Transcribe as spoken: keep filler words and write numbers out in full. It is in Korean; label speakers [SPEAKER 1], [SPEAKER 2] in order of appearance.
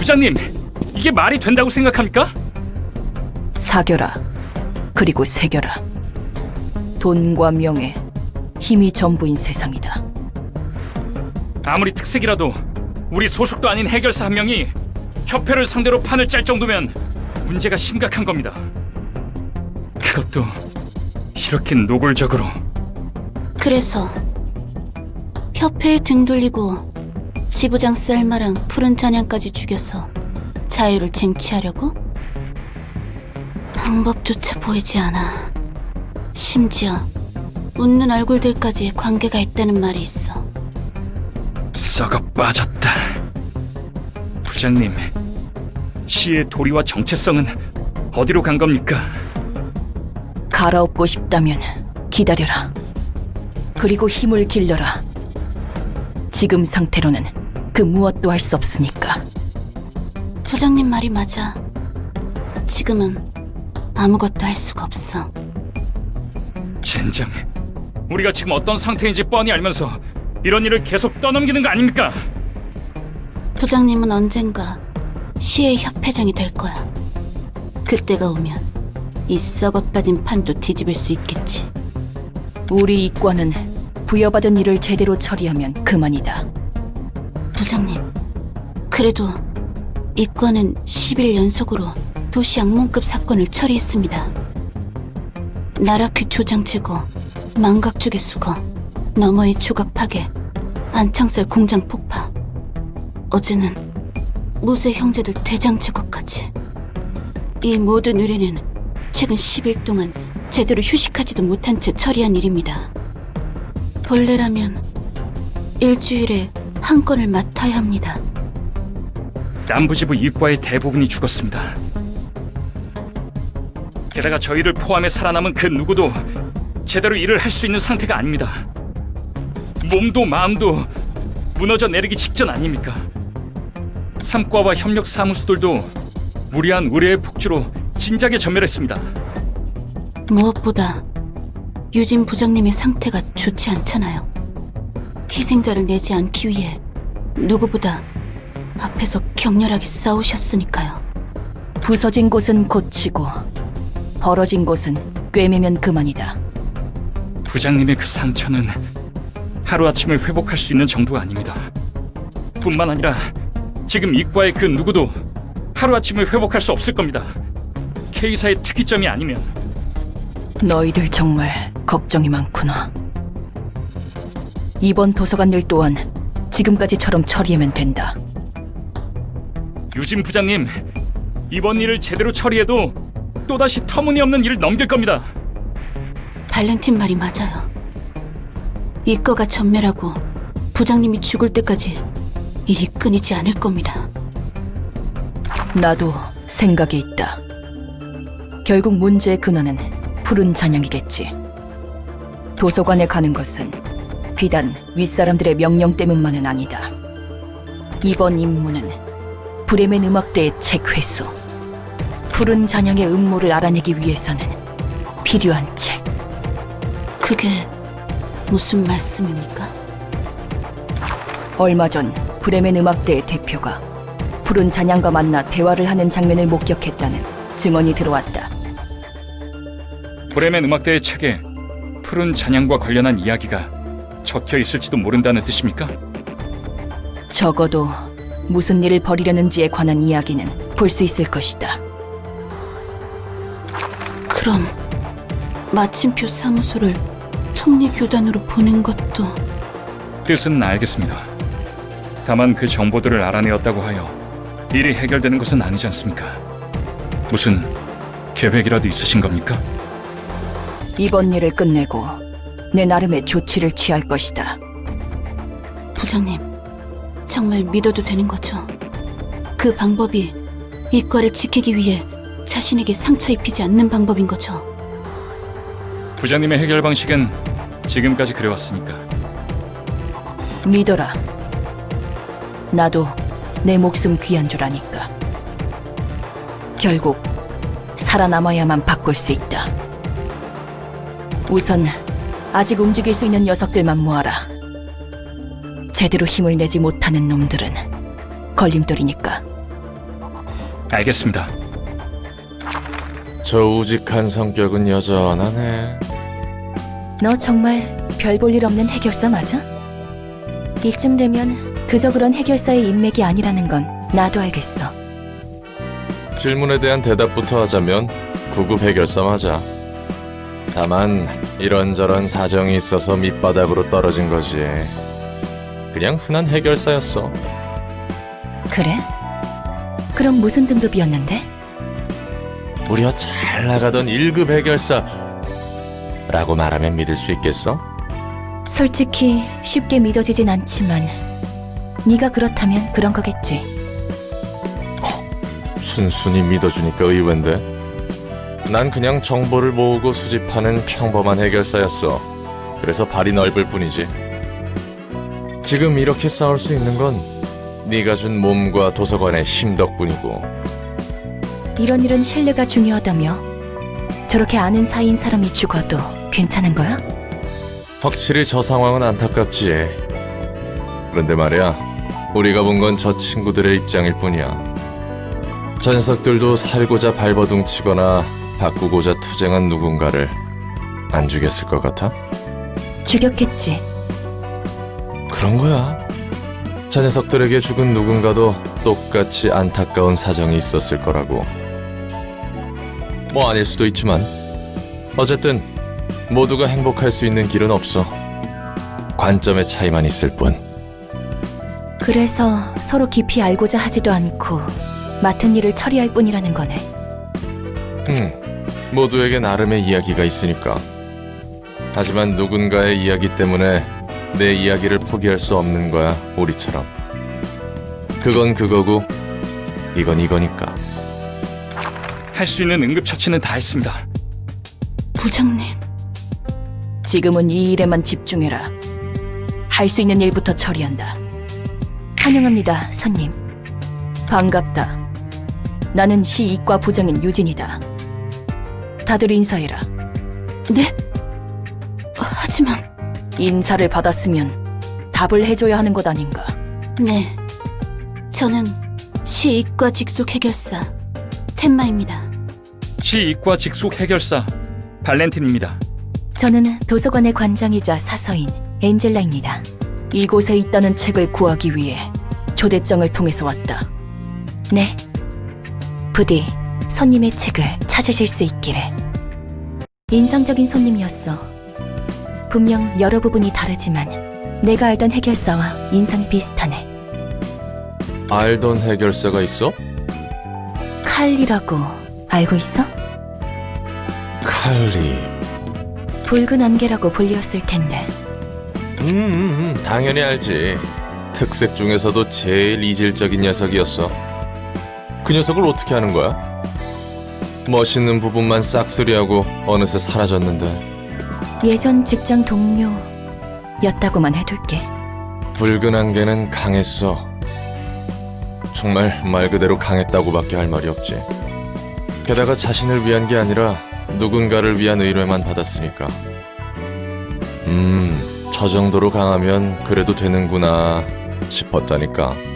[SPEAKER 1] 부장님, 이게 말이 된다고 생각합니까?
[SPEAKER 2] 사겨라. 그리고 새겨라. 돈과 명예, 힘이 전부인 세상이다.
[SPEAKER 1] 아무리 특색이라도 우리 소속도 아닌 해결사 한 명이 협회를 상대로 판을 짤 정도면 문제가 심각한 겁니다. 그것도 이렇게 노골적으로.
[SPEAKER 3] 그래서 협회에 등 돌리고 지부장 셀마랑 푸른 잔향까지 죽여서 자유를 쟁취하려고? 방법조차 보이지 않아. 심지어 웃는 얼굴들까지 관계가 있다는 말이 있어.
[SPEAKER 1] 썩어 빠졌다. 부장님, 시의 도리와 정체성은 어디로 간 겁니까?
[SPEAKER 2] 갈아엎고 싶다면 기다려라. 그리고 힘을 길러라. 지금 상태로는 그 무엇도 할 수 없으니까.
[SPEAKER 3] 부장님 말이 맞아. 지금은 아무것도 할 수가 없어.
[SPEAKER 1] 젠장, 우리가 지금 어떤 상태인지 뻔히 알면서 이런 일을 계속 떠넘기는 거 아닙니까?
[SPEAKER 3] 부장님은 언젠가 시의 협회장이 될 거야. 그때가 오면 이 썩어 빠진 판도 뒤집을 수 있겠지.
[SPEAKER 2] 우리 이과는 부여받은 일을 제대로 처리하면 그만이다.
[SPEAKER 3] 부장님, 그래도 이과는 십 일 연속으로 도시 악몽급 사건을 처리했습니다. 나라퀴 조장 제거, 망각주기 수거, 너머의 조각 파괴, 안창살 공장 폭파. 어제는 무쇠 형제들 대장 제거까지. 이 모든 의뢰는 최근 십 일 동안 제대로 휴식하지도 못한 채 처리한 일입니다. 본래라면 일주일에 한 건을 맡아야 합니다.
[SPEAKER 1] 남부지부 이과의 대부분이 죽었습니다. 게다가 저희를 포함해 살아남은 그 누구도 제대로 일을 할 수 있는 상태가 아닙니다. 몸도 마음도 무너져 내리기 직전 아닙니까? 삼과와 협력 사무소들도 무리한 의뢰의 폭주로 진작에 전멸했습니다.
[SPEAKER 3] 무엇보다 유진 부장님의 상태가 좋지 않잖아요. 희생자를 내지 않기 위해 누구보다 앞에서 격렬하게 싸우셨으니까요.
[SPEAKER 2] 부서진 곳은 고치고 벌어진 곳은 꿰매면 그만이다.
[SPEAKER 1] 부장님의 그 상처는 하루아침에 회복할 수 있는 정도가 아닙니다. 뿐만 아니라 지금 이과의 그 누구도 하루아침에 회복할 수 없을 겁니다. K사의 특이점이 아니면.
[SPEAKER 2] 너희들 정말 걱정이 많구나. 이번 도서관 일 또한 지금까지처럼 처리하면 된다.
[SPEAKER 1] 유진 부장님, 이번 일을 제대로 처리해도 또다시 터무니없는 일을 넘길 겁니다.
[SPEAKER 3] 발렌틴 말이 맞아요. 이과가 전멸하고 부장님이 죽을 때까지 일이 끊이지 않을 겁니다.
[SPEAKER 2] 나도 생각이 있다. 결국 문제의 근원은 푸른 잔향이겠지. 도서관에 가는 것은 비단 윗사람들의 명령 때문만은 아니다. 이번 임무는 브레멘 음악대의 책 회수. 푸른 잔향의 음모를 알아내기 위해서는 필요한 책.
[SPEAKER 3] 그게 무슨 말씀입니까?
[SPEAKER 2] 얼마 전 브레멘 음악대의 대표가 푸른 잔향과 만나 대화를 하는 장면을 목격했다는 증언이 들어왔다.
[SPEAKER 1] 브레멘 음악대의 책에 푸른 잔향과 관련한 이야기가 적혀 있을지도 모른다는 뜻입니까?
[SPEAKER 2] 적어도 무슨 일을 벌이려는지에 관한 이야기는 볼 수 있을 것이다.
[SPEAKER 3] 그럼 마침표 사무소를 톱니교단으로 보낸 것도...
[SPEAKER 1] 뜻은 알겠습니다. 다만 그 정보들을 알아내었다고 하여 일이 해결되는 것은 아니지 않습니까? 무슨 계획이라도 있으신 겁니까?
[SPEAKER 2] 이번 일을 끝내고 내 나름의 조치를 취할 것이다.
[SPEAKER 3] 부장님, 정말 믿어도 되는 거죠? 그 방법이 이과를 지키기 위해 자신에게 상처 입히지 않는 방법인 거죠?
[SPEAKER 1] 부장님의 해결 방식은 지금까지 그래왔으니까.
[SPEAKER 2] 믿어라. 나도 내 목숨 귀한 줄 아니까. 결국 살아남아야만 바꿀 수 있다. 우선 아직 움직일 수 있는 녀석들만 모아라. 제대로 힘을 내지 못하는 놈들은 걸림돌이니까.
[SPEAKER 1] 알겠습니다.
[SPEAKER 4] 저 우직한 성격은 여전하네.
[SPEAKER 2] 너 정말 별 볼 일 없는 해결사 맞아? 이쯤 되면 그저 그런 해결사의 인맥이 아니라는 건 나도 알겠어.
[SPEAKER 4] 질문에 대한 대답부터 하자면 구급 해결사 맞아. 다만 이런저런 사정이 있어서 밑바닥으로 떨어진 거지. 그냥 흔한 해결사였어.
[SPEAKER 2] 그래? 그럼 무슨 등급이었는데?
[SPEAKER 4] 무려 잘 나가던 일 급 해결사 라고 말하면 믿을 수 있겠어?
[SPEAKER 2] 솔직히 쉽게 믿어지진 않지만 네가 그렇다면 그런 거겠지.
[SPEAKER 4] 순순히 믿어주니까 의외인데. 난 그냥 정보를 모으고 수집하는 평범한 해결사였어. 그래서 발이 넓을 뿐이지. 지금 이렇게 싸울 수 있는 건 네가 준 몸과 도서관의 힘 덕분이고.
[SPEAKER 2] 이런 일은 신뢰가 중요하다며? 저렇게 아는 사이인 사람이 죽어도 괜찮은 거야?
[SPEAKER 4] 확실히 저 상황은 안타깝지. 그런데 말이야, 우리가 본 건 저 친구들의 입장일 뿐이야. 저 녀석들도 살고자 발버둥 치거나 바꾸고자 투쟁한 누군가를 안 죽였을 것 같아?
[SPEAKER 2] 죽였겠지.
[SPEAKER 4] 그런 거야. 저 녀석들에게 죽은 누군가도 똑같이 안타까운 사정이 있었을 거라고. 뭐 아닐 수도 있지만 어쨌든 모두가 행복할 수 있는 길은 없어. 관점의 차이만 있을 뿐.
[SPEAKER 2] 그래서 서로 깊이 알고자 하지도 않고 맡은 일을 처리할 뿐이라는 거네.
[SPEAKER 4] 음, 모두에게 나름의 이야기가 있으니까. 하지만 누군가의 이야기 때문에 내 이야기를 포기할 수 없는 거야, 우리처럼. 그건 그거고 이건 이거니까.
[SPEAKER 1] 할 수 있는 응급처치는 다 했습니다.
[SPEAKER 3] 부장님,
[SPEAKER 2] 지금은 이 일에만 집중해라. 할 수 있는 일부터 처리한다. 환영합니다, 손님. 반갑다. 나는 시이과 부장인 유진이다. 다들 인사해라.
[SPEAKER 3] 네? 어, 하지만
[SPEAKER 2] 인사를 받았으면 답을 해줘야 하는 것 아닌가.
[SPEAKER 3] 네, 저는 시이과 직속 해결사 텐마입니다.
[SPEAKER 1] 시이과 직속 해결사 발렌틴입니다.
[SPEAKER 2] 저는 도서관의 관장이자 사서인 엔젤라입니다. 이곳에 있다는 책을 구하기 위해 초대장을 통해서 왔다. 네, 부디 손님의 책을 찾으실 수 있기를. 인상적인 손님이었어. 분명 여러 부분이 다르지만 내가 알던 해결사와 인상이 비슷하네.
[SPEAKER 4] 알던 해결사가 있어?
[SPEAKER 2] 칼리라고 알고 있어?
[SPEAKER 4] 칼리.
[SPEAKER 2] 붉은 안개라고 불리웠을 텐데.
[SPEAKER 4] 음, 음, 음, 당연히 알지. 특색 중에서도 제일 이질적인 녀석이었어. 그 녀석을 어떻게 하는 거야? 멋있는 부분만 싹쓸이하고 어느새 사라졌는데.
[SPEAKER 2] 예전 직장 동료였다고만 해둘게.
[SPEAKER 4] 붉은 안개는 강했어. 정말 말 그대로 강했다고밖에 할 말이 없지. 게다가 자신을 위한 게 아니라 누군가를 위한 의뢰만 받았으니까. 음, 저 정도로 강하면 그래도 되는구나 싶었다니까.